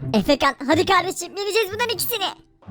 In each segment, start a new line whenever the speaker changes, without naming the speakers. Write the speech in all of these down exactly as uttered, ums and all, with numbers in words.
Efekan hadi kardeşim yeneceğiz bunların ikisini.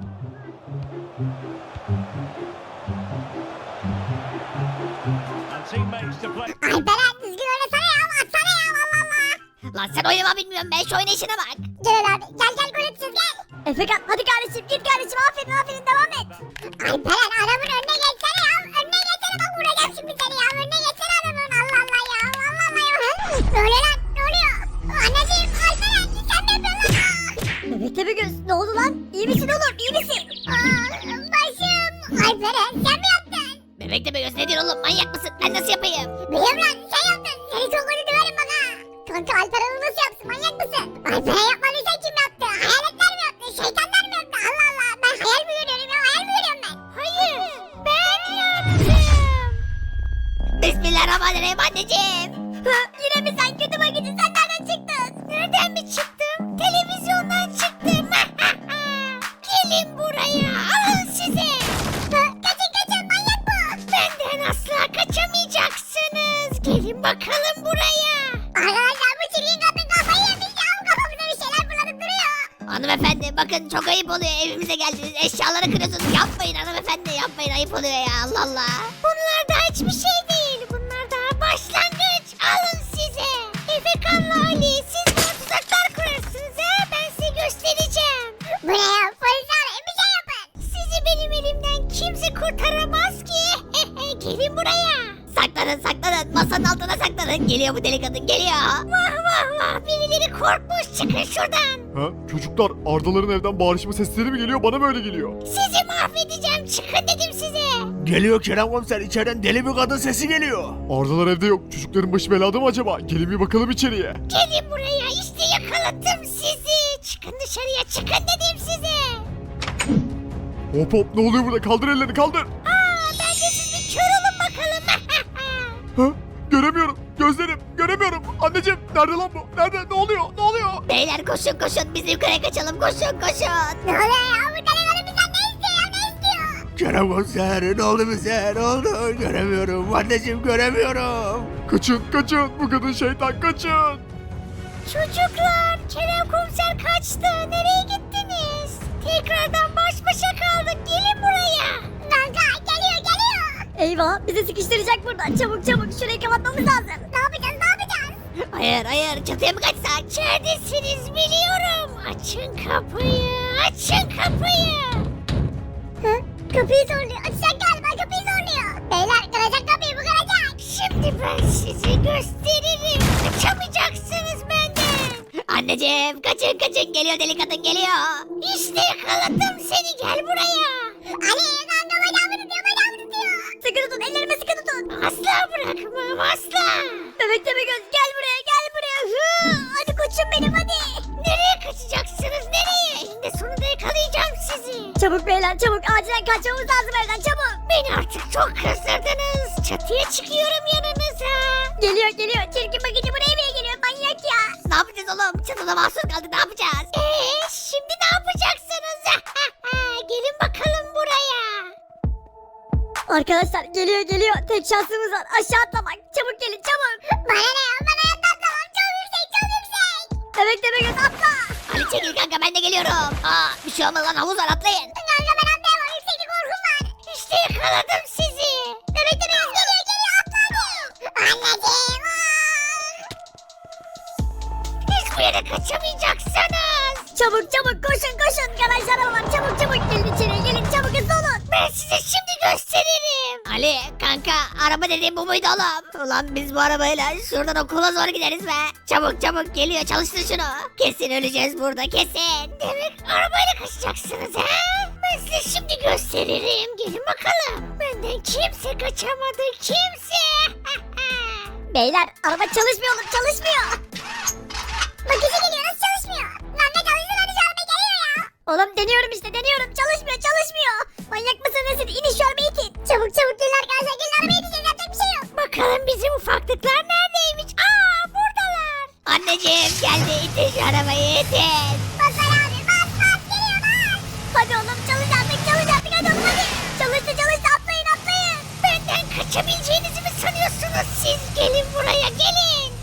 Alperen düzgün oynasana ya, atsana ya, Allah Allah.
Lan sen oynama bilmiyorum ben, şu oynayışına bak.
Gel abi, gel gel gol atacağız gel.
Efekan hadi kardeşim git kardeşim aferin aferin devam et.
Alperen adamın önüne geçsene ya, önüne geçsene, bak vuracağım şimdi seni ya, önüne geçsene adamın, Allah Allah ya, Allah Allah ya. Ne oluyor lan, ne oluyor? Anneciğim, Alperen sen ne yapıyorsun lan?
Bebek Tepegöz ne oldu lan? İyi misin oğlum iyi misin?
Aa, başım. Alperen sen mi yaptın?
Bebek de göz nedir oğlum, manyak mısın? Ben nasıl yapayım?
Biliyorum lan, sen yaptın. Seni çok kötü döverim bak ha. Kanka Alperen onu nasıl yapsın, manyak mısın? Alperen yapmadıysa kim yaptı? Hayaletler mi yaptı? Şeytanlar mı yaptı? Allah Allah, ben hayal mi görüyorum ya, hayal mi görüyorum ben? Hayır, ben yaptım.
Bismillahirrahmanirrahim anneciğim.
Ha, yine mi sen kötü bakıcı sen nereden çıktın?
Nereden mi çıktım? Televizyondan çıktım. Gelin buraya, alın size.
Ha, kaçın kaçın, manyak bu.
Benden asla kaçamayacaksınız. Gelin bakalım buraya.
Arkadaşlar bu çirkin kadın kafayı yemiş ya, kafamıza bir şeyler fırlatıp duruyor.
Hanımefendi bakın çok ayıp oluyor, evimize geldiniz eşyaları kırıyorsunuz, yapmayın hanımefendi, yapmayın, ayıp oluyor ya, Allah Allah. Bunlar daha hiçbir şey değil, bunlar daha başlangıç, alın size. Efekan'la Ali siz bana tuzaklar kurarsınız ha, ben size göstereceğim.
Bu ne ya, polis arayın bir şey yapın.
Sizi benim elimden kimse kurtaramaz ki. Gelin buraya. Saklanın saklanın, masanın altına saklanın, geliyor bu deli kadın geliyor. Vah vah vah, birileri korkmuş, çıkın şuradan.
Ha? Çocuklar Ardaların evden bağırışma sesleri mi geliyor bana mı öyle geliyor?
Sizi mahvedeceğim, çıkın dedim size.
Geliyor Kerem komiser, içeriden deli bir kadın sesi geliyor.
Ardalar evde yok. Çocukların başı belada mı acaba? Gelin bir bakalım içeriye.
Gelin buraya, işte yakaladım sizi. Çıkın dışarıya, çıkın dedim size.
Hop hop ne oluyor burada? Kaldır ellerini kaldır.
Aa, ben de siz bir kör olun bakalım.
Ha? Göremiyorum. Gözlerim. Göremiyorum. Anneciğim nerede lan bu? Nerede? Ne oluyor? Ne oluyor?
Beyler koşun koşun, bizim köye kaçalım, koşun koşun.
Ne oluyor ya, bu deli kadın bizden ne istiyor ya, ne istiyor?
Kerem komiser, ne oldu bize? Ne oldu? Göremiyorum. Anneciğim göremiyorum.
Kaçın kaçın. Bu kadın şeytan kaçın.
Çocuklar, Kerem komiser kaçtı. Nereye gittiniz? Tekrardan baş başa kaldık. Gelin buraya.
Kanka geliyor geliyor.
Eyvah bizi sıkıştıracak burada çabuk çabuk şurayı kapatmamız lazım.
Ne yapacağız ne yapacağız?
Hayır hayır, çatıya mı kaçsak? İçeridesiniz biliyorum. Açın kapıyı, açın kapıyı.
Hı? Kapıyı zorluyor. Açacak galiba, kapıyı zorluyor. Beyler kıracak kapıyı, bu kıracak.
Şimdi ben size gösteririm. Kaçamayacaksınız benden. Anneciğim kaçın kaçın, geliyor deli kadın geliyor. İşte yakaladım seni, gel buraya.
Ali kanka bacağımı tutuyor, bacağımı tutuyor.
Sıkı tutun ellerime sıkı tutun.
Asla bırakmam, asla.
Bebek Tepegöz gel buraya gel buraya. Hı, hadi koçum benim hadi.
Nereye kaçacaksınız, nereye? Eninde sonunda yakalayacağım sizi.
Çabuk beyler çabuk acilen kaçmamız lazım evden çabuk.
Beni artık çok kızdırdınız. Çatıya çıkıyorum yanınıza.
Geliyor geliyor çirkin bakıcı buraya bile geliyor manyak ya.
Ne yapacağız oğlum? Çatıda mahsur kaldı, ne yapacağız? Eee şimdi ne yapacaksınız? Gelin bakalım buraya.
Arkadaşlar geliyor geliyor tek şansımız var aşağı atlamak çabuk gelin çabuk.
Bana ne ya, bana hayatta atlamam. Çok yüksek, çok yüksek.
Bebek Tepegöz atla.
Ali çekil kanka, ben de geliyorum. Aa, bir şey olmaz lan, havuz var, atlayın.
Kanka ben atlayamam, yükseklik korkum var.
İşte yakaladım sizi.
Bebek de biraz geliyor, geliyor, atla hadi. Anneciğim. aa!
Hiçbir yere kaçamayacaksınız.
Çabuk çabuk koşun koşun garaj arabalar çabuk çabuk gelin içeriye gelin çabuk hızlı olun.
Ben size şimdi gösteririm. Ali kanka, araba dediğim bu muydu oğlum? Ulan biz bu arabayla şuradan okula zor gideriz be. Çabuk çabuk geliyor, çalıştır şunu. Kesin öleceğiz burada, kesin. Demek arabayla kaçacaksınız ha? Ben size şimdi gösteririm. Gelin bakalım. Benden kimse kaçamadı, kimse.
Beyler araba çalışmıyor oğlum çalışmıyor.
Bakıcı geliyor, nasıl çalışmıyor? Lan ne çalışsın, hadi şu araba geliyor ya.
Oğlum deniyorum işte deniyorum çalışmıyor çalışmıyor. Manyak mısın nesin in şu arabayı itin.
Çabuk çabuk gelin arkadaşlar, gelin arabaya gideceğiz, yapacak bir şey yok.
Bakalım bizim ufaklıklar neredeymiş? Aa, buradalar. Anneciğim geldi, itin şu arabayı, itin.
Bas Ali abi, bas bas, geliyor bas.
Hadi oğlum çalış artık çalış artık hadi oğlum hadi. Çalıştı çalıştı atlayın atlayın.
Benden kaçabileceğinizi mi sanıyorsunuz siz? Gelin buraya, gelin. Ali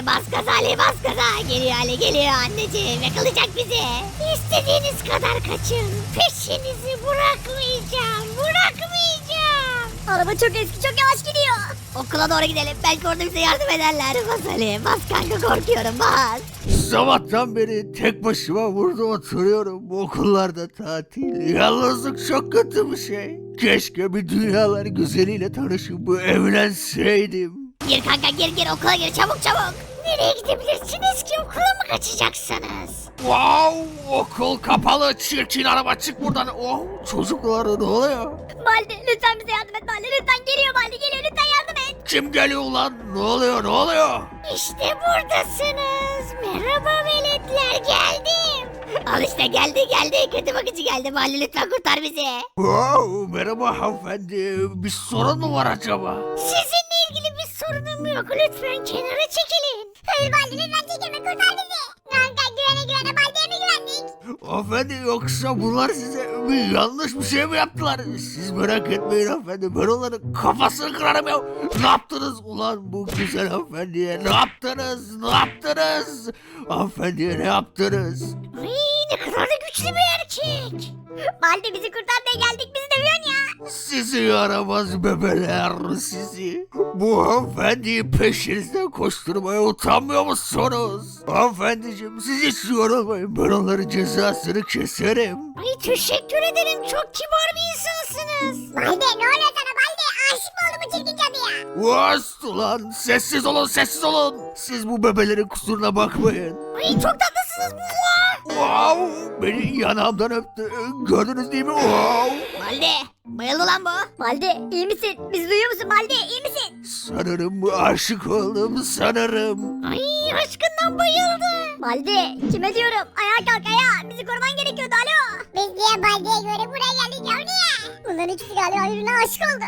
Ali bas gaza Ali bas gaza. Geliyor Ali geliyor anneciğim yakalayacak bizi. İstediğiniz kadar kaçın. Peşinizi bırakmayacağım bırakmayacağım.
Araba çok eski çok yavaş gidiyor.
Okula doğru gidelim belki orada bize yardım ederler. Bas Ali bas kanka korkuyorum bas.
Sabahtan beri tek başıma burada oturuyorum. Okullarda tatil. Yalnızlık çok kötü bir şey. Keşke bir dünyalar güzeliyle tanışıp evlenseydim.
Gir kanka gir gir okula gir çabuk çabuk. Nereye gidebilirsiniz ki okula mı kaçacaksınız?
Wow, okul kapalı. Çirkin araba çık buradan. Oh, çocuklar ne oluyor?
Baldi lütfen bize yardım et Baldi lütfen geliyor Baldi geliyor lütfen yardım et.
Kim geliyor lan? Ne oluyor? Ne oluyor?
İşte buradasınız. Merhaba veletler geldim. Al işte geldi geldi kötü bakıcı geldi. Mahalle lütfen kurtar bizi.
Wow, merhaba hanımefendi. Bir sorun mu var acaba?
Sizinle ilgili bir sorunum yok. Lütfen kenara çekilin.
Hayır Baldi lütfen çekilme kurtar bizi. Kanka güvene güvene Baldi'ye mi güvendik?
Hanımefendi yoksa bunlar size bir yanlış bir şey mi yaptılar? Siz merak etmeyin hanımefendi. Ben onların kafasını kırarım ya. Ne yaptınız ulan bu güzel hanımefendiye? Ne yaptınız? Ne yaptınız? Hanımefendiye ne yaptınız?
Ay ne kadar da güçlü bir erkek.
Baldi bizi kurtar diye geldik bizi dövüyorsun ya.
Sizi yaramaz bebeler sizi. Bu hanımefendiyi peşinizden koşturmaya utanmıyor musunuz? Hanımefendiciğim siz hiç yorulmayın. Ben onların cezasını keserim.
Ay teşekkür ederim. Çok kibar bir insansınız.
Baldi ne oluyor sana Baldi? Aşık mı oldu bu çirkin cadıya?
Vast ulan sessiz olun sessiz olun. Siz bu bebelerin kusuruna bakmayın.
Ay çok tatlısınız. Mua!
Wow, beni yanağımdan öptü. Gördünüz değil mi? Wow.
Balde bayıldı lan bu.
Baldi iyi misin? Bizi duyuyor musun Baldi iyi misin?
Sanırım aşık oldum sanırım.
Ay aşkından bayıldı.
Baldi kime diyorum? Ayağa kalk ayağa bizi koruman gerekiyordu alo.
Biz niye Baldi'ye göre buraya geldik ya niye? Bunların ikisi galiba birbirine aşık oldu.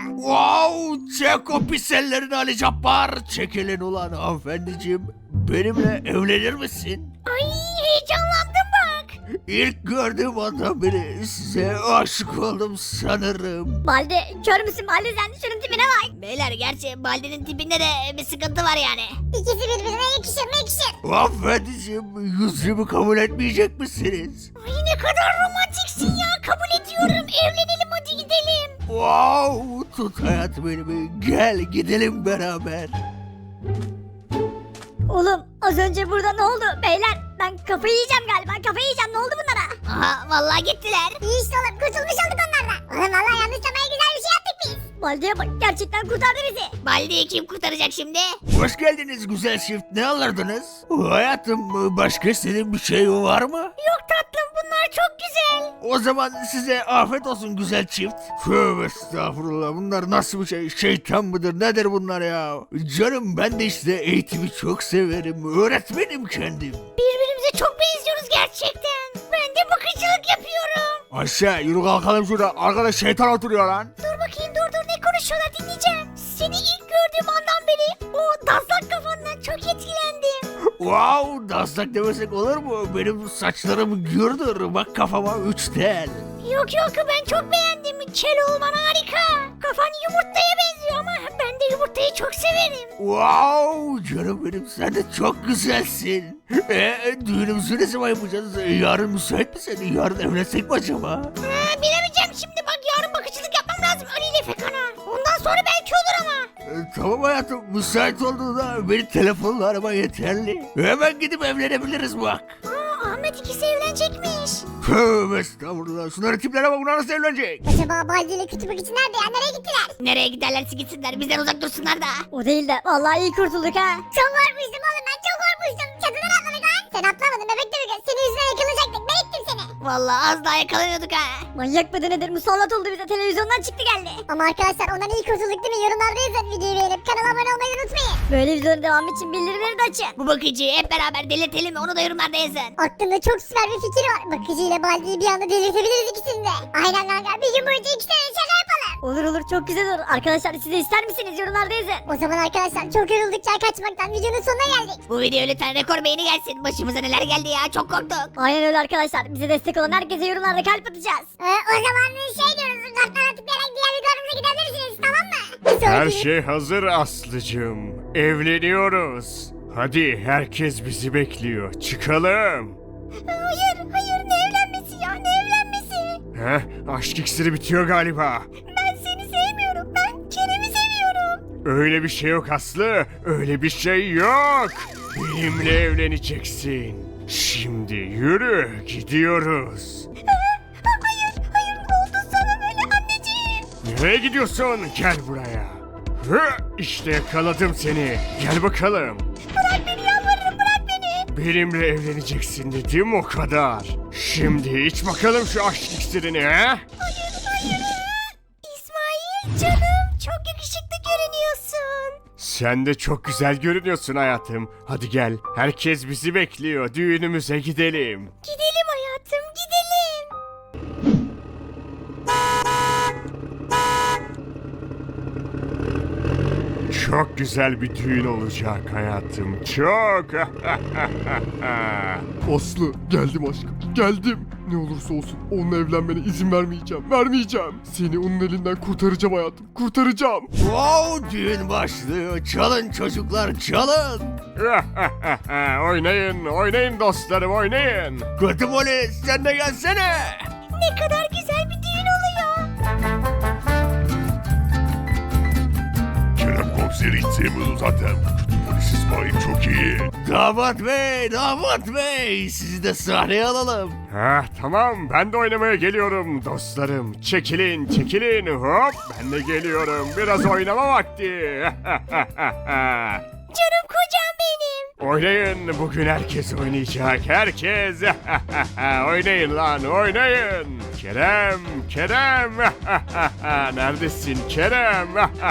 Wow, çek o pis ellerini Ali Cabbar. Çekilin ulan hanımefendiciğim. Benimle evlenir misin?
Ay heyecanlandım bak.
İlk gördüğüm andan beri size aşık oldum sanırım.
Baldi kör müsün Baldi sen şunun tipine bak.
Beyler gerçi Balde'nin tipinde de bir sıkıntı var yani.
İkisi birbirine yakışır mı yakışır?
Hanımefendiciğim yüzümü kabul etmeyecek misiniz?
Ay ne kadar romantiksin ya. Kabul ediyorum. Evlenelim hadi gidelim.
Wow, tut hayat benimi. Gel gidelim beraber.
Oğlum az önce burada ne oldu beyler? Ben kafayı yiyeceğim galiba kafayı yiyeceğim ne oldu bunlara?
Aha vallahi gittiler.
İyi işte oğlum kurtulmuş olduk onlardan. Oğlum valla yanlışlamaya güzel bir şey yaptık biz.
Baldi'ye bak gerçekten kurtardı bizi.
Balde'yi kim kurtaracak şimdi?
Hoş geldiniz güzel çift. Ne alırdınız? Hayatım başka istediğin bir şey var mı?
Yok tatlım bunlar çok güzel.
O zaman size afiyet olsun güzel çift. Tövbe estağfurullah bunlar nasıl bir şey? Şeytan mıdır nedir bunlar ya? Canım ben de işte eğitimi çok severim. Öğretmenim kendim.
Birbirimize çok benziyoruz gerçekten. Ben de bakıcılık yapıyorum.
Aşağı yürü kalkalım şurada. Arkada şeytan oturuyor lan.
Dur bakayım dur dur ne konuşuyorlar dinleyeceğim. Seni ilk gördüğüm andan beri o dazlak kafandan çok etkilendim.
Wow daslak demesek olur mu? Benim saçlarım gürdür. Bak kafama üç tel.
Yok yok ben çok beğendim. Kel olman harika. Kafan yumurtaya benziyor ama ben de yumurtayı çok severim.
Wow canım benim sen de çok güzelsin. Eee düğünümüzü ne zaman yapacağız? Yarın müsait misin? Yarın evlensek mi acaba?
Ha, bilemeyeceğim şimdi bak yarın bakıcılık yapmam lazım Ali ile Fekan'a. Ondan sonra belki olur ama.
Ee, tamam hayatım müsait olduğunda beni telefonla arama yeterli. Hemen gidip evlenebiliriz bak.
Aa, Ahmet ikisi evlenecekmiş.
Tövbe estağfurullah. Şunların tiplere bak bunlar nasıl evlenecek?
Acaba Baldi ile kütüphane için nerede ya? Nereye gittiler?
Nereye giderlerse gitsinler bizden uzak dursunlar da.
O değil de vallahi iyi kurtulduk ha.
Çok korkmuştum oğlum ben çok korkmuştum. Çatıdan atladık lan. Sen atlamadın bebek de bebek. Senin yüzünden yakalanacaktık. Ben ettim seni.
Vallahi az daha yakalanıyorduk ha.
Manyak mıdır nedir musallat oldu bize televizyondan çıktı geldi.
Ama arkadaşlar ondan iyi kurtulduk değil mi? Yorumlarda yazın. Videoyu beğenip kanala abone olmayı unutmayın.
Böyle videoların devamı için bildirimleri de açın.
Bu bakıcıyı hep beraber delirtelim onu da yorumlarda yazın.
Aklımda çok süper bir fikir var. Bakıcı ile Baldi'yi bir anda delirtebiliriz ikisini de. Aynen kanka. Bir gün boyunca iki tane şaka yapalım.
Olur olur çok güzel olur. Arkadaşlar siz de ister misiniz yorumlarda yazın.
O zaman arkadaşlar çok yoruldukça kaçmaktan videonun sonuna geldik.
Bu videoya lütfen rekor beğeni gelsin. Başımıza neler geldi ya çok korktuk.
Aynen öyle arkadaşlar. Bize destek olan herkese yorumlarda kalp atacağız.
Ee, o zaman şey diyoruz. Kartlara tıklayarak diğer videolarımıza gidebilirsiniz tamam mı? Bir sonraki
Her şey hazır Aslı'cığım. Evleniyoruz.
Hadi herkes bizi bekliyor. Çıkalım.
Hayır hayır ne evlenmesi ya ne evlenmesi.
Heh, aşk iksiri bitiyor galiba.
Ben seni sevmiyorum ben Kerem'i seviyorum.
Öyle bir şey yok Aslı. Öyle bir şey yok. Benimle evleneceksin. Şimdi yürü gidiyoruz.
Hayır hayır ne oldu sana böyle anneciğim.
Nereye gidiyorsun? Gel buraya. Hı, işte yakaladım seni. Gel bakalım.
Bırak beni yalvarırım bırak beni.
Benimle evleneceksin dedim o kadar. Şimdi iç bakalım şu aşk iksirini he?
Hayır hayır. İsmail canım çok yakışıklı görünüyorsun.
Sen de çok güzel görünüyorsun hayatım. Hadi gel. Herkes bizi bekliyor. Düğünümüze gidelim.
Gidelim hayatım gidelim.
Çok güzel bir düğün olacak hayatım. Çok.
Aslı geldim aşkım geldim. Ne olursa olsun onunla evlenmene izin vermeyeceğim vermeyeceğim. Seni onun elinden kurtaracağım hayatım kurtaracağım.
Wow, düğün başlıyor. Çalın çocuklar, çalın.
Oynayın, oynayın dostlarım, oynayın.
Kötü polis, sen de gelsene.
Ne kadar güzel bir düğün oluyor.
Kerem komiseri hiç sevmiyordu zaten. Polis İsmail çok iyi.
Damat bey, damat bey. Sizi de sahneye alalım.
Ha, tamam, ben de oynamaya geliyorum dostlarım. Çekilin, çekilin. Hop, ben de geliyorum. Biraz oynama vakti.
Canım kocam benim.
Oynayın, bugün herkes oynayacak, herkes. Oynayın lan, oynayın. Kerem, Kerem. Neredesin Kerem?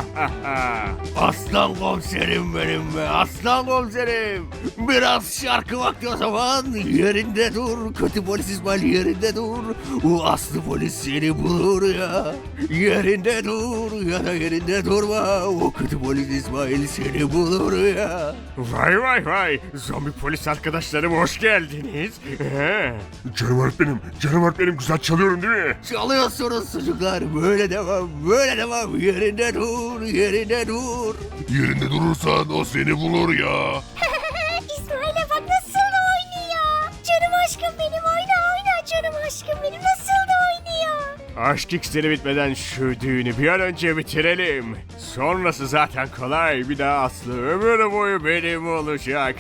Aslan komiserim benim be, aslan komiserim. Biraz şarkı vakti o zaman. Yerinde dur, kötü polis İsmail yerinde dur. O aslı polis seni bulur ya. Yerinde dur ya da yerinde durma. O kötü polis İsmail seni bulur ya.
Vay vay vay, zombi polis arkadaşlarım hoş geldiniz. He.
Canım öğretmenim canım öğretmenim güzel çalıyorum değil mi?
Çalıyorsunuz çocuklar, böyle devam, böyle devam. Yerinde dur, yerinde dur.
Yerinde durursan o seni bulur ya.
İsmail'e bak nasıl da oynuyor. Canım aşkım benim oyna oyna canım aşkım benim nasıl da oynuyor.
Aşk iksiri bitmeden şu düğünü bir an önce bitirelim. Sonrası zaten kolay. Bir daha Aslı ömür boyu benim olacak.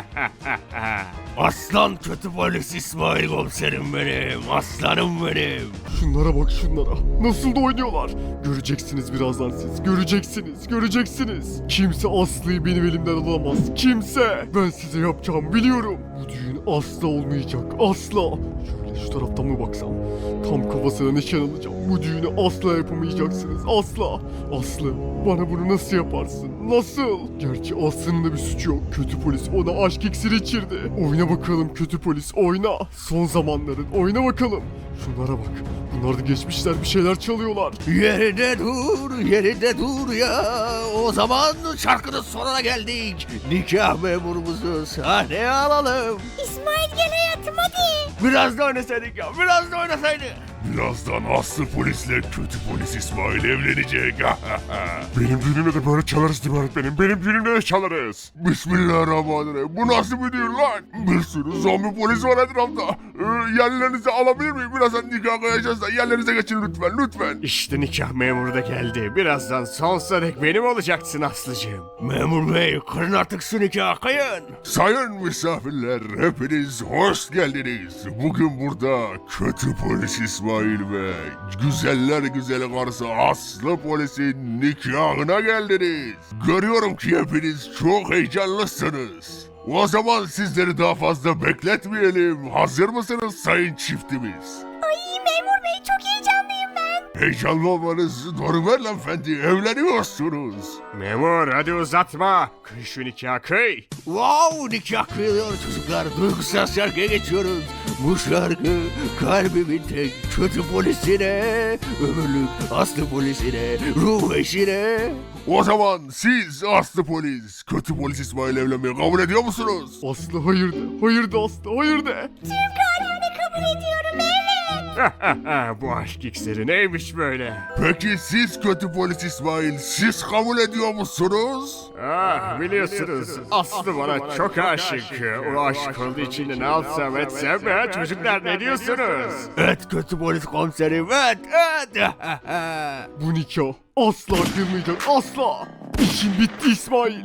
Aslan kötü polis İsmail komiserim benim, aslanım benim.
Şunlara bak şunlara. Nasıl da oynuyorlar. Göreceksiniz birazdan siz. Göreceksiniz. Göreceksiniz. Kimse Aslı'yı benim elimden alamaz. Kimse. Ben size yapacağımı biliyorum. Bu düğün asla olmayacak. Asla. Şöyle şu taraftan mı baksam? Tam kafasına nişan alacağım. Bu düğünü asla yapamayacaksınız. Asla. Aslı bana bunu nasıl yaparsın? Nasıl? Gerçi Aslı'nın da bir suçu yok. Kötü polis ona aşk iksiri içirdi. Oyna bakalım kötü polis oyna. Son zamanların oyna bakalım. Şunlara bak. Bunlar da geçmişler bir şeyler çalıyorlar.
Yerinde dur, yerinde dur ya. O zaman şarkının sonuna geldik. Nikah memurumuzu sahneye alalım.
İsmail gel hayatım hadi.
Biraz da oynasaydık ya, biraz da oynasaydık.
Birazdan Aslı polisle kötü polis İsmail evlenecek. Benim düğünümde de böyle çalarız değil mi öğretmenim? Benim düğünümde de çalarız. Bismillahirrahmanirrahim. Bu nasıl bir düğün lan? Bir sürü zombi polis var etrafta. Ee, yerlerinizi alabilir miyim? Birazdan nikah koyacağız da yerlerinize geçin lütfen lütfen.
İşte nikah memuru da geldi. Birazdan sonsuza dek benim olacaksın Aslıcığım.
Memur bey, kırın artık şu nikahı, kayın.
Sayın misafirler hepiniz hoş geldiniz. Bugün burada kötü polis İsmail ve güzeller güzeli karısı Aslı polisin nikahına geldiniz. Görüyorum ki hepiniz çok heyecanlısınız. O zaman sizleri daha fazla bekletmeyelim. Hazır mısınız sayın çiftimiz?
Ay memur bey çok heyecanlıyım ben.
Heyecanlı olmanız normal hanımefendi. Evleniyorsunuz.
Memur hadi uzatma. Kıy şu nikahı kıy.
Wow, nikah kıyılıyor çocuklar. Duygusal şarkıya geçiyoruz. Bu şarkı kalbimin tek kötü polisine, ömürlük aslı polisine, ruh eşine.
O zaman siz Aslı polis, kötü polis İsmail evlenmeyi kabul ediyor musunuz?
Aslı hayır de. Hayır de Aslı hayır de.
Tüm kararını kabul ediyorum evet.
Bu aşk iksiri neymiş böyle?
Peki siz kötü polis İsmail, siz kabul ediyor musunuz?
Ah biliyorsunuz Aslı bana çok aşık. O aşk olduğu için de ne alsam etsem be çocuklar ne diyorsunuz?
Evet kötü polis komiserim, evet, evet.
Bu nikah asla kırmayacak, asla. İşin bitti İsmail.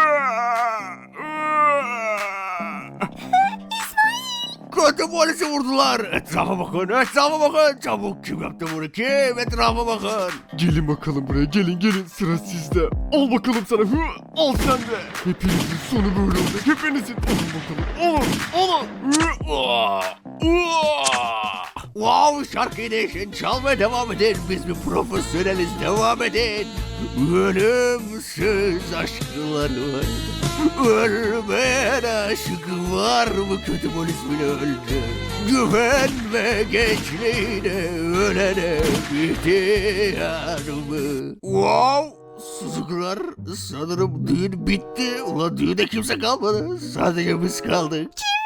Kötü polisi vurdular. Etrafa bakın, etrafa bakın. Çabuk kim yaptı bunu, kim? Etrafa bakın.
Gelin bakalım buraya, gelin gelin, sıra sizde. Al bakalım sana, hı, al sen de. Hepinizin sonu böyle olacak, hepinizin. Alın bakalım, alın, alın. Hı,
Aa, aa. Wow, şarkıyı değişin, çalmaya devam edin. Biz bir profesyoneliz, devam edin. Ölümsüz aşklar var. Ölmeyen aşk var mı, kötü polis bile öldü. Güvenme gençliğine, ölene ihtiyar mı? Wow, sucuklar, sanırım düğün bitti. Ulan düğünde kimse kalmadı, sadece biz kaldık.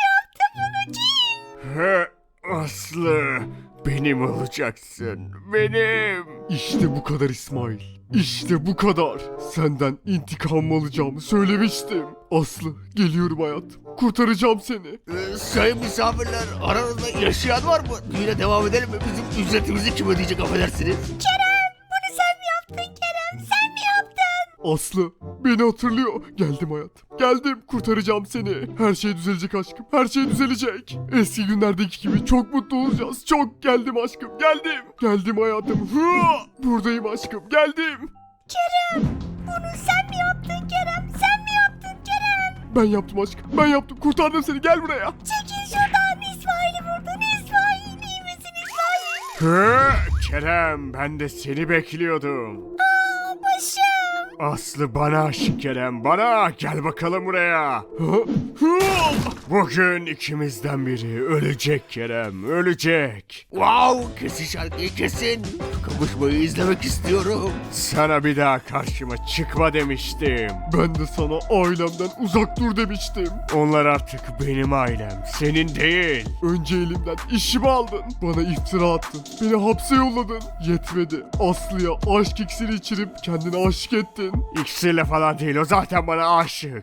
He, Aslı benim olacaksın benim.
İşte bu kadar İsmail. İşte bu kadar. Senden intikam alacağımı söylemiştim. Aslı, geliyorum hayatım. Kurtaracağım seni.
Ee, sayın misafirler, aranızda yaşayan var mı? Düğüne devam edelim mi? Bizim ücretimizi kim ödeyecek, affedersiniz?
Kerem bunu sen mi yaptın Kerem? Sen mi yaptın?
Aslı, beni hatırlıyor. Geldim hayatım. Geldim, kurtaracağım seni. Her şey düzelecek aşkım. Her şey düzelecek. Eski günlerdeki gibi çok mutlu olacağız. Çok geldim aşkım. Geldim. Geldim hayatım. Hı! Buradayım aşkım. Geldim.
Kerem bunu sen mi yaptın Kerem? Sen mi yaptın Kerem?
Ben yaptım aşkım. Ben yaptım. Kurtardım seni. Gel buraya.
Çekil şuradan, İsmail'i vurdun. İsmail iyi misin İsmail?
He, Kerem ben de seni bekliyordum.
Aa başım.
Aslı bana aşık Kerem bana gel bakalım buraya.
Hı? Hı!
Bugün ikimizden biri ölecek Kerem ölecek.
Wow, kesin şarkıyı kesin. Kavuşmayı izlemek istiyorum.
Sana bir daha karşıma çıkma demiştim.
Ben de sana ailemden uzak dur demiştim.
Onlar artık benim ailem senin değil.
Önce elimden işimi aldın. Bana iftira attın. Beni hapse yolladın. Yetmedi. Aslı'ya aşk iksiri içirip kendini aşık ettin.
İksirle falan değil o zaten bana aşık.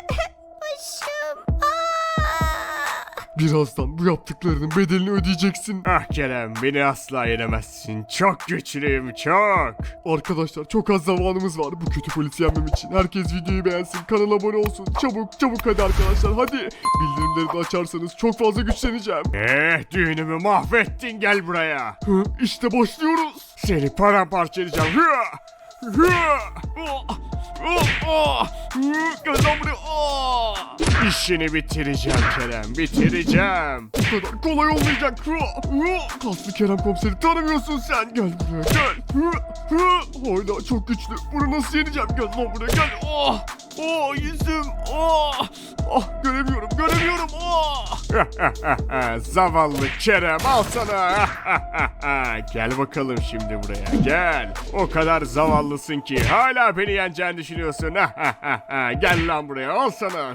Başım. Aa.
Birazdan bu yaptıklarının bedelini ödeyeceksin.
Ah Kerem beni asla yenemezsin. Çok güçlüyüm çok.
Arkadaşlar çok az zamanımız var bu kötü polisi yenmem için. Herkes videoyu beğensin, kanala abone olsun. Çabuk çabuk hadi arkadaşlar hadi. Bildirimleri de açarsanız çok fazla güçleneceğim.
Eh düğünümü mahvettin gel buraya.
Hı, işte başlıyoruz.
Seni paramparça edeceğim. Hıa! Hıa! Oh! Oh! Oh! Hı, Gel lan buraya. Oh! İşini bitireceğim Kerem bitireceğim.
Bu kadar kolay olmayacak. Hı, hı. Kaslı Kerem komiseri tanımıyorsun sen. Gel buraya gel. Hı, hı. Hala çok güçlü. Bunu nasıl yeneceğim? Gel lan buraya gel. Oh! Oh yüzüm. Oh! Ah göremiyorum göremiyorum. Oh!
Zavallı Kerem al sana. Gel bakalım şimdi buraya gel. O kadar zavallısın ki hala beni yeneceğini düşünüyorsun. Gel lan buraya al sana.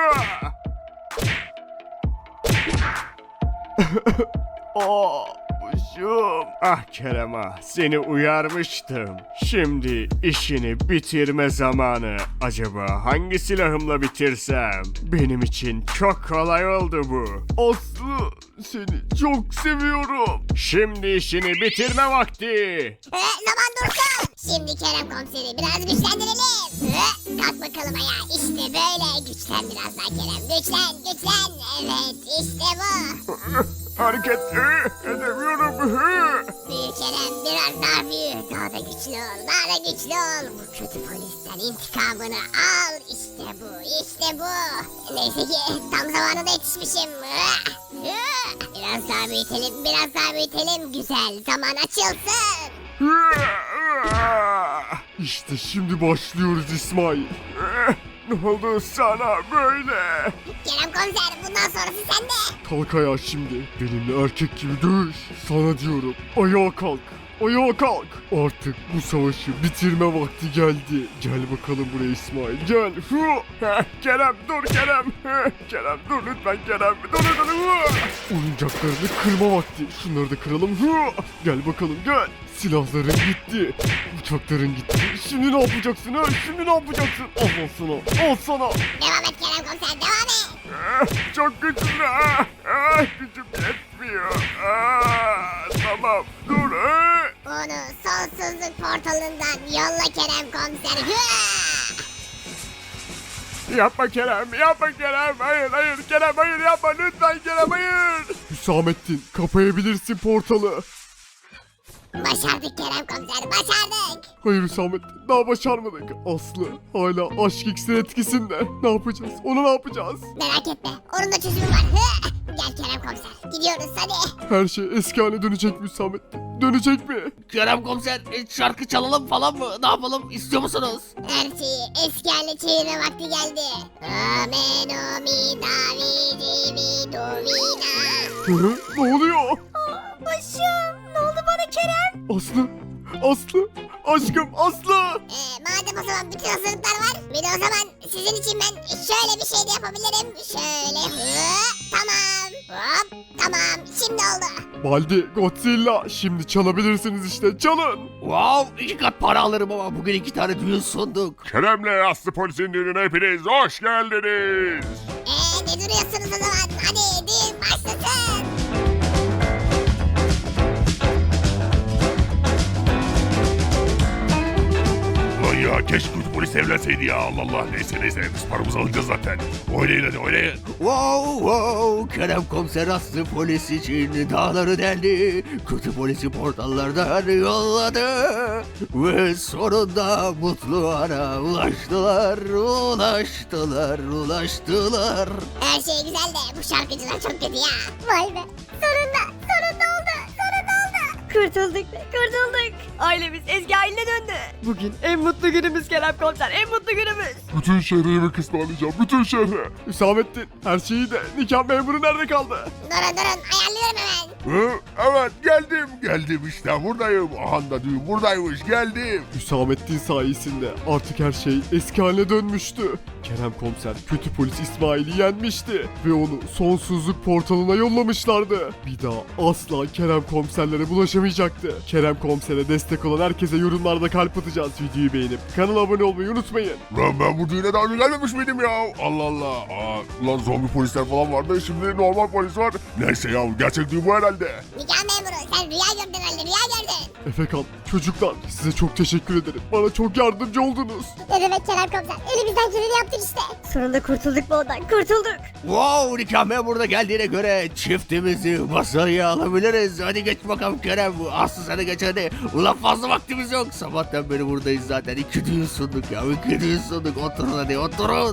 Aa, başım.
Ah Kerem ah seni uyarmıştım. Şimdi işini bitirme zamanı. Acaba hangi silahımla bitirsem? Benim için çok kolay oldu bu.
Aslı seni çok seviyorum.
Şimdi işini bitirme vakti.
Ee, zaman dursun. Şimdi Kerem komiseri biraz güçlendirelim. Ee, kalk bakalım ayağa. İşte böyle. Güçlen biraz daha Kerem. Güçlen, güçlen. Evet, işte bu.
Hareket e, edemiyorum.
Büyük Kerem biraz daha büyük. Daha da güçlü ol, daha da güçlü ol. Bu kötü polisten intikamını al. İşte bu, işte bu. Neyse ki tam zamanında yetişmişim. Biraz daha büyütelim, biraz daha büyütelim. Güzel, zaman açılsın.
İşte şimdi başlıyoruz İsmail.
Ne oldu sana böyle?
Kerem komiser bundan sonrası sende.
Kalk ayağa şimdi. Benimle erkek gibi dövüş. Sana diyorum. Ayağa kalk. ayağa kalk. Artık bu savaşı bitirme vakti geldi. Gel bakalım buraya İsmail, gel. Hı.
Heh, Kerem dur Kerem. Heh, Kerem dur lütfen Kerem. Dur dur dur. Hı.
Oyuncaklarını kırma vakti. Şunları da kıralım. Hı. Gel bakalım gel. Silahların gitti. Uçakların gitti. Şimdi ne yapacaksın ha? Şimdi ne yapacaksın? Al sana. Al sana.
Devam et Kerem komiser devam et.
Eh, Çok güçlü. Ah, ah, Gücüm yetmiyor. Ah, Tamam dur. eh.
Onu sonsuzluk portalından yolla Kerem komiser. Hıa!
Yapma Kerem. Yapma Kerem. Hayır hayır Kerem hayır yapma. Lütfen Kerem hayır.
Hüsamettin, kapayabilirsin portalı.
Başardık Kerem komiser başardık.
Hayır Hüsamettin, daha başarmadık. Aslı hala aşk iksir etkisinde. Ne yapacağız? Onu ne yapacağız?
Merak etme onun da çözümü var. Hıa! Gel Kerem komiser gidiyoruz hadi.
Her şey eski haline dönecek mi Hüsamettin? Dönecek mi?
Kerem komiser e, şarkı çalalım falan mı? Ne yapalım istiyor musunuz?
Her şeyi eski haline çevirme vakti geldi. Amen o mi da vi di mi do vi na.
Hı? Ne oluyor?
Başım. Ne oldu bana Kerem?
Aslı, Aslı, aşkım Aslı.
Ee, madem o zaman bütün hazırlıklar var. Bir de o zaman sizin için ben şöyle bir şey de yapabilirim. Şöyle hı, tamam. Hop tamam şimdi oldu.
Baldi, Godzilla, şimdi çalabilirsiniz işte, çalın.
Wow iki kat para alırım ama bugün iki tane düğün sunduk.
Kerem'le Aslı Polis'in düğününe hepiniz hoş geldiniz.
Ee, ne duruyorsunuz o zaman? Hadi düğün başlasın.
Ulan ya keşke kötü polis evlenseydi ya Allah Allah. Neyse neyse biz paramızı alacağız zaten. Oynayın hadi oynayın.
Wow wow Kerem komiser aslı polis için dağları deldi. Kötü polisi portallardan yolladı. Ve sonunda mutlu ana ulaştılar, ulaştılar, ulaştılar.
Her şey güzel de bu şarkıcılar çok kötü ya. Vay be sonunda sonunda oldu sonunda oldu.
Kurtulduk be kurtulduk. Ailemiz eski haline döndü.
Bugün en mutlu günümüz Kerem komiser, en mutlu günümüz.
Bütün şehre yemek ısmarlayacağım, bütün şehre. Hüsamettin, her şeyi de nikah memuru nerede kaldı?
Durun durun ayarlıyorum hemen.
Hı, evet geldim geldim işte buradayım. Aha da düğün buradaymış geldim.
Hüsamettin sayesinde artık her şey eski haline dönmüştü. Kerem komiser kötü polis İsmail'i yenmişti ve onu sonsuzluk portalına yollamışlardı. Bir daha asla Kerem komiserlere bulaşamayacaktı. Kerem komisere destek olan herkese yorumlarda kalp atacağız. Videoyu beğenip kanala abone olmayı unutmayın.
Lan ben bu düğüne daha önce gelmemiş miydim ya? Allah Allah. Aa, lan zombi polisler falan vardı şimdi normal polis var. Neyse ya gerçek düğün bu herhalde.
Nikah memuru sen rüya gördün herhalde rüya gördün.
Efekan, çocuklar size çok teşekkür ederim. Bana çok yardımcı oldunuz.
Ne demek Kerem komiser elimizden geleni yaptık işte.
Sonunda kurtulduk bu odan kurtulduk.
Wow nikah memuru da geldiğine göre çiftimizi masaya alabiliriz. Hadi geç bakalım Kerem. Aslı sana geç hadi. Ulan fazla vaktimiz yok. Sabahtan beri buradayız zaten. İki düğün sunduk ya. İki düğün sunduk. Oturun hadi oturun.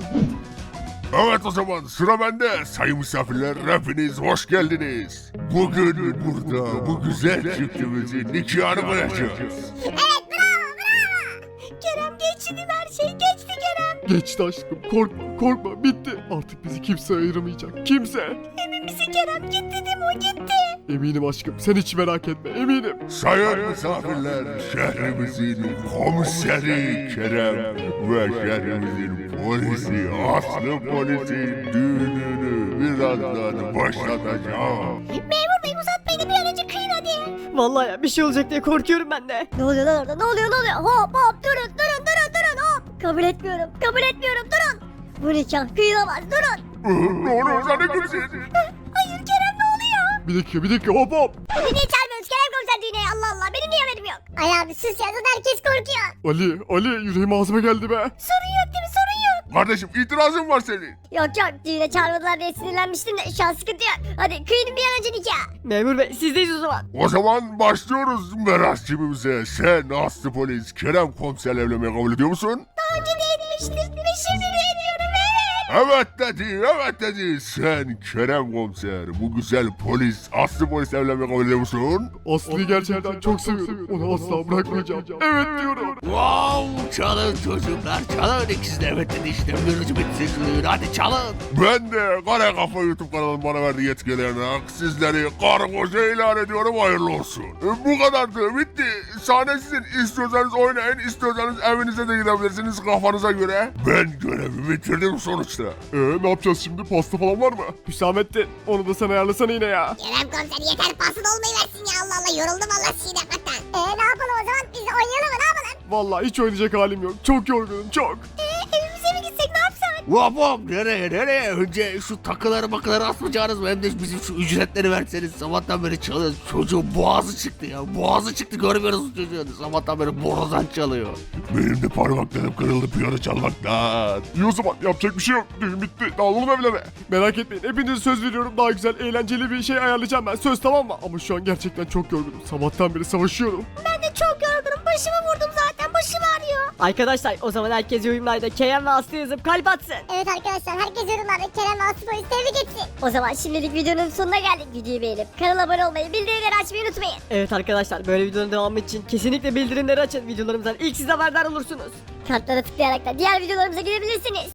Evet o zaman sıra bende. Sayın misafirler hepiniz hoş geldiniz. Bugün burada bu güzel çiftimizin nikahını kıyacağız.
Evet bravo bravo.
Kerem geçti her şey geçti Kerem.
Geçti aşkım, korkma korkma, bitti. Artık bizi kimse ayıramayacak, kimse.
Emin misin Kerem gitti değil mi o gitti.
Eminim aşkım, sen hiç merak etme, eminim.
Sayın misafirler şehrimizin komiseri Kerem ve şehrimizin polisi Aslı Polis'in düğününü birazdan başlatacağım.
Memur bey uzatmayın da bir an önce kıyın hadi.
Vallahi ya bir şey olacak diye korkuyorum ben de.
Ne oluyor lan orada ne oluyor ne oluyor? Hop hop durun durun durun durun hop. Kabul etmiyorum kabul etmiyorum durun. Bu nikah kıyılamaz durun.
Ne oluyor sen ne gülsün?
Hayır Kerem ne oluyor?
Bir dakika, bir dakika, hop hop.
Beni niye çağırmıyorsunuz Kerem komiser düğüne Allah Allah benim niye haberim yok. Ay abi sus ya zaten herkes korkuyor.
Ali, Ali, yüreğim ağzıma geldi be.
Sorun yok değil mi sorun yok.
Kardeşim itirazın var senin.
Yok yok düğüne çağırmadılar diye sinirlenmiştim de şu an sıkıntı yok. Hadi kıyın bir an önce nikah.
Memur bey sizdeyiz o zaman.
O zaman başlıyoruz merasimimize. Sen Aslı Polis Kerem komiserle evlenmeyi kabul ediyor musun?
Daha önce de etmiştim ve şimdi de ediyorum evet.
Evet dedi, evet dedi. Sen Kerem komiser, bu güzel polis, Aslı polis evlenmek kabul ediyor musun?
Aslı'yı gerçekten çok seviyorum. Onu asla bırakmayacağım. Evet diyorum.
Wow, çalın çocuklar çalın. İkisi de evet dedi işte. Mürücü bitti şunu. Hadi çalın.
Ben de Kara Kafa YouTube kanalım bana verdiği yetkilerine sizleri karı koca ilan ediyorum, hayırlı olsun. E, bu kadardı, bitti. Sahne sizin. İstiyorsanız oynayın, istiyorsanız evinize de gidebilirsiniz kafanıza göre. Ben görevimi bitirdim sonuçta.
Ee, ne yapacağız şimdi? Pasta falan var mı? Hüsamettin, onu da sen ayarlasana yine ya.
Kerem komiser yeter pasın olmayı versin ya, Allah Allah yoruldum Allah sizi yapmaktan. Eee ne yapalım o zaman, biz de oynayalım mı, ne yapalım?
Vallahi hiç oynayacak halim yok. Çok yorgunum, çok.
Ee, evimize mi gitsek ne yapsak?
Hop hop nereye nereye? Önce şu takıları makıları asmayacağınız mı? Hem de bizim şu ücretleri verseniz. Sabahtan beri çalıyoruz. Çocuğun boğazı çıktı ya. Boğazı çıktı, görmüyoruz çocuğun. Sabahtan beri borazan çalıyor.
Benim de parmaklarım kırıldı piyano çalmaktan.
İyi o zaman, yapacak bir şey yok. Düğün bitti. Dağılalım evlere. Merak etmeyin, hepinize söz veriyorum. Daha güzel, eğlenceli bir şey ayarlayacağım ben. Söz, tamam mı? Ama şu an gerçekten çok yorgunum. Sabahtan beri savaşıyorum.
Ben de çok yorgunum. Başımı vurdum zaten. Başım ağrıyor.
Arkadaşlar o zaman herkes yorumlarda Kerem ve Aslı yazıp kalp atsın.
Evet arkadaşlar, herkes yorumlarda Kerem ve Aslı polis tebrik etsin.
O zaman şimdilik videonun sonuna geldik. Videoyu beğenip kanala abone olmayı, bildirimleri açmayı unutmayın.
Evet arkadaşlar böyle videonun devamı için kesinlikle bildirimleri açın. Videolarımızdan ilk siz haberdar olursunuz.
Kartlara tıklayarak da diğer videolarımıza gidebilirsiniz.